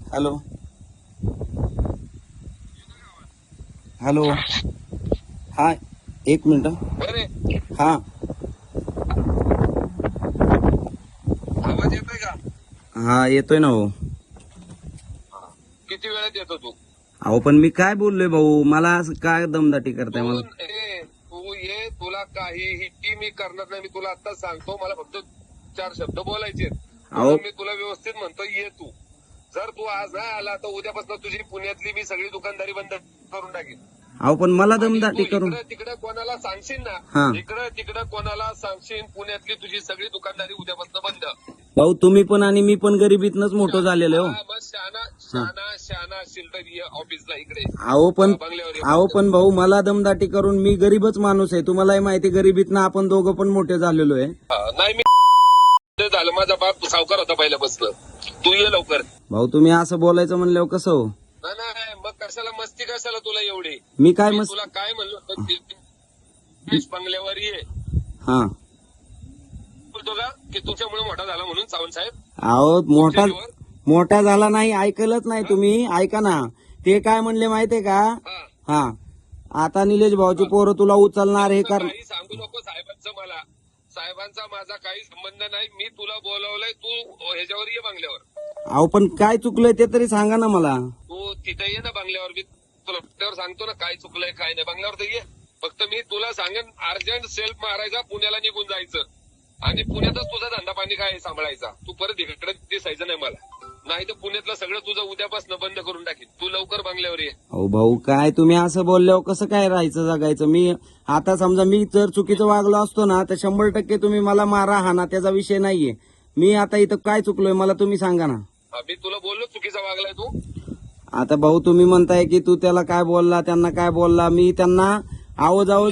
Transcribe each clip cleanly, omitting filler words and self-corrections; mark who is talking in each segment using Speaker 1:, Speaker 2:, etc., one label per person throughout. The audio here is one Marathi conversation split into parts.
Speaker 1: हॅलो हॅलो हा एक मिनिट हा
Speaker 2: आवाज येतोय का?
Speaker 1: हा येतोय ना भाऊ.
Speaker 2: किती वेळात येतो तू?
Speaker 1: अहो पण मी काय बोललोय भाऊ, मला असं काय दमदाटी करताय मला.
Speaker 2: तू ये, तुला काहीही मी करणार नाही. मी तुला आत्ताच सांगतो, मला फक्त 4 शब्द बोलायचे.
Speaker 1: अहो
Speaker 2: मी तुला व्यवस्थित म्हणतो, ये तू. जर तू आज नाही आला तर उद्यापासून तुझी पुण्यातली मी सगळी दुकानदारी बंद करून टाकेन.
Speaker 1: अहो पण मला दमदाटी करून
Speaker 2: इकडे तिकडे कोणाला सांगशील
Speaker 1: हा.
Speaker 2: ना, इकडे तिकडे कोणाला सांगशील, पुण्यातली तुझी सगळी दुकानदारी उद्यापासून बंद.
Speaker 1: भाऊ तुम्ही पण आणि मी पण गरिबीतनच मोठं झालेलो.
Speaker 2: मग शहाणा असशील तर ये ऑफिसला इकडे.
Speaker 1: अहो पण भाऊ मला दमदाटी करून, मी गरीबच माणूस आहे, तुम्हालाही माहिती, गरिबीतनं आपण दोघं पण मोठे झालेलो आहे.
Speaker 2: नाही मी झालं, माझा बाप सावकार होता पहिल्यापासून. तू ये लवकर.
Speaker 1: भाऊ तुम्ही असं बोलायचं म्हणल्यावर कसं हो?
Speaker 2: नाही मग कशाला मस्ती, कशाला तुला एवढी?
Speaker 1: मी काय
Speaker 2: तुला काय म्हणलं, बंगल्यावर ये.
Speaker 1: हा
Speaker 2: बोलतो का की तुमच्यामुळे मोठा झाला म्हणून सावंत साहेब?
Speaker 1: अहो मोठा झाला नाही, ऐकलंच नाही तुम्ही. ऐका ना, ते काय म्हणले माहितीये का? हा आता निलेश भाऊची पोरं तुला उचलणार हे कर.
Speaker 2: काही सांगू नको साहेबांचं मला. साहेबांचा माझा काही संबंध नाही. मी तुला बोलवलंय, तू ह्याच्यावर ये बंगल्यावर.
Speaker 1: अहो पण काय चुकलंय ते तरी सांगा ना मला.
Speaker 2: तू तिथे ये ना बंगल्यावर. मी तुला त्यावर सांगतो ना काय चुकलंय काय नाही. बंगल्यावर तर ये. फक्त मी तुला सांगेन, अर्जंट सेल्फ मारायचा, पुण्याला निघून जायचं आणि पुण्यातच तुझा धंदा पाणी काय सांभाळायचा. तू परत इकडे दिसायचं नाही मला, नाही तर पुण्यातलं सगळं तुझं उद्यापासून बंद करून टाकीन. तू लवकर बंगल्यावर ये.
Speaker 1: अहो भाऊ काय तुम्ही असं बोलल्यावर कसं काय राहायचं जगायचं? मी आता समजा मी जर चुकीचं वागलो असतो ना तर 100% तुम्ही मला मारा हाना, त्याचा विषय नाहीये. मी आता इथं काय चुकलोय मला तुम्ही सांगा ना.
Speaker 2: मी तुला बोललो चुकीचा वागलाय तू.
Speaker 1: आता भाऊ तुम्ही म्हणताय की तू त्याला काय बोलला, त्यांना काय बोलला. मी त्यांना आवाजावं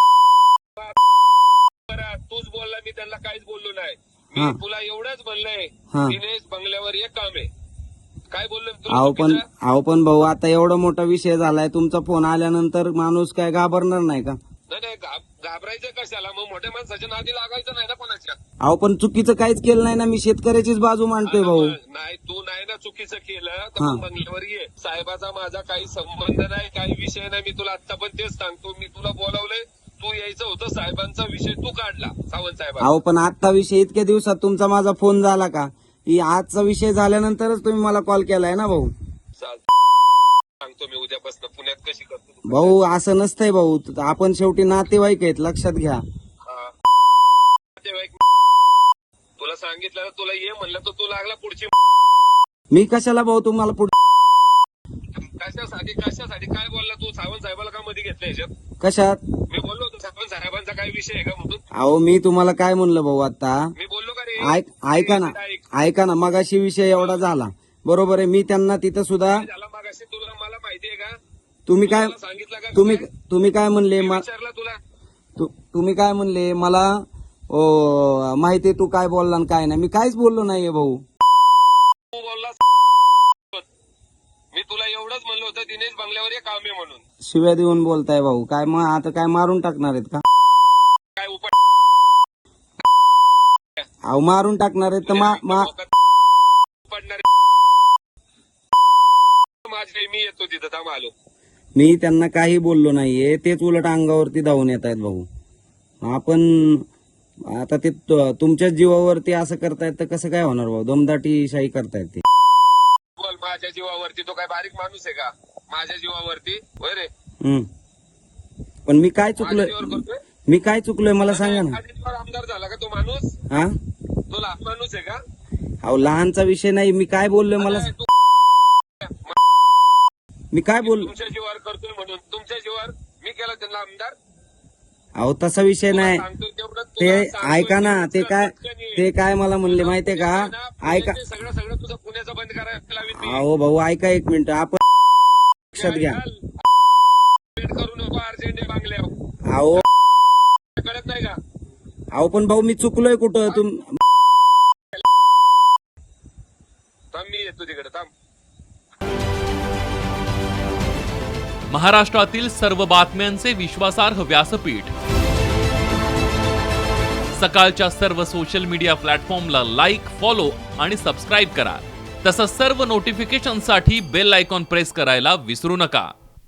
Speaker 2: तूच बोलला, मी त्यांना काहीच बोललो नाही. मी तुला एवढंच म्हणलंय, दिनेश बंगल्यावर एक काम आहे. काय बोललो?
Speaker 1: अहो पण भाऊ आता एवढा मोठा विषय झालाय, तुमचा फोन आल्यानंतर माणूस काय घाबरणार नाही का?
Speaker 2: नाही घाबरायचं कशाला? मग मोठ्या माणसाच्या नादी लागायचं नाही ना कोणाच्या.
Speaker 1: अहो पण चुकीचं काहीच केलं नाही ना, मी शेतकऱ्याचीच बाजू मांडतोय भाऊ.
Speaker 2: नाही तू नाही ना चुकीचं केलं तर मग बंगल्यावर ये. साहेबाचा माझा काही संबंध नाही, काही विषय नाही. मी तुला आता पण तेच सांगतो, मी तुला बोलावलंय, तू यायचं होतं. साहेबांचा विषय तू काढला, सावंत साहेब.
Speaker 1: अहो पण आजचा विषय इतक्या दिवसात तुमचा माझा फोन झाला का? आजचा विषय झाल्यानंतरच तुम्ही मला कॉल केलाय ना भाऊ.
Speaker 2: सांगतो मी उद्यापासून पुण्यात कशी करतो.
Speaker 1: भाऊ असं नसतंय भाऊ, आपण शेवटी नातेवाईक आहेत, लक्षात घ्या.
Speaker 2: तुला सांगितलं, तुला ये म्हणलं तर तू लागला पुढची.
Speaker 1: मी कशाला भाऊ तुम्हाला
Speaker 2: कशासाठी काय बोलला तू? सावंत साहेबाला का मध्ये घेतलं ह्याच्यात?
Speaker 1: कशात?
Speaker 2: मी बोललो होतो सावंत साहेबांचा काय विषय आहे का म्हणून.
Speaker 1: अहो मी तुम्हाला काय म्हणलं भाऊ आता?
Speaker 2: मी बोललो का रे?
Speaker 1: ऐका ना मगाशी विषय एवढा झाला, बरोबर आहे. मी त्यांना तिथं सुद्धा
Speaker 2: झाला मगाशी, तुला मला माहितीये का?
Speaker 1: तुम्ही काय
Speaker 2: सांगितलं का?
Speaker 1: तुम्ही काय म्हणले
Speaker 2: विचारलं तुला?
Speaker 1: तुम्ही काय म्हणले मला? माहितीये तू काय बोलला आणि काय नाही. मी काहीच बोललो नाहीये भाऊ.
Speaker 2: तू बोलला. मी तुला एवढंच म्हणलं होतं, दिनेश बंगल्यावर एक काम आहे म्हणून.
Speaker 1: शिव्या देऊन बोलताय भाऊ. काय मग आता काय मारून टाकणार आहेत का?
Speaker 2: काय उपाय
Speaker 1: अहो मारून टाकणार आहेत तर
Speaker 2: पडणार माझे. मी येतो तिथं, थांब आलो.
Speaker 1: मी त्यांना काही बोललो नाहीये, तेच उलट अंगावरती धावून येत आहेत भाऊ. आपण आता ते तुमच्याच जीवावरती असं करतायत तर कसं काय होणार भाऊ? दमदाटी शाही करतायत ते.
Speaker 2: बोल, माझ्या जीवावरती? तो काय बारीक माणूस आहे का? माझ्या जीवावरती होय रे.
Speaker 1: पण मी काय चुकलोय मला सांगा ना.
Speaker 2: आमदार झाला का तो माणूस?
Speaker 1: हा
Speaker 2: तो लहान माणूस आहे का?
Speaker 1: अहो लहानचा विषय नाही. मी काय बोललोय मला? मी काय बोललो?
Speaker 2: तुमच्या जीवावर करतोय म्हणून. तुमच्या जीवावर मी केला त्यांना आमदार?
Speaker 1: अहो तसा विषय नाही. ते ऐका ना, ते काय मला म्हणले माहितीये का? ऐका
Speaker 2: सगळं तुझं पुण्याचं बंद करायला लावीन.
Speaker 1: अहो भाऊ ऐका एक मिनिट, आपण लक्षात घ्या.
Speaker 2: करू नको अर्जंट बांगल्यावर.
Speaker 1: अहो
Speaker 2: कळत नाही का?
Speaker 1: अहो पण भाऊ मी चुकलोय कुठं?
Speaker 2: मी येतो तिकडे, थांब.
Speaker 3: महाराष्ट्रातील सर्व बातम्यांचे विश्वासार्ह व्यासपीठ. सकाळच्या सर्व सोशल मीडिया प्लॅटफॉर्मला लाईक, फॉलो आणि सबस्क्राईब करा. तसंच सर्व नोटिफिकेशनसाठी बेल आयकॉन प्रेस करायला विसरू नका.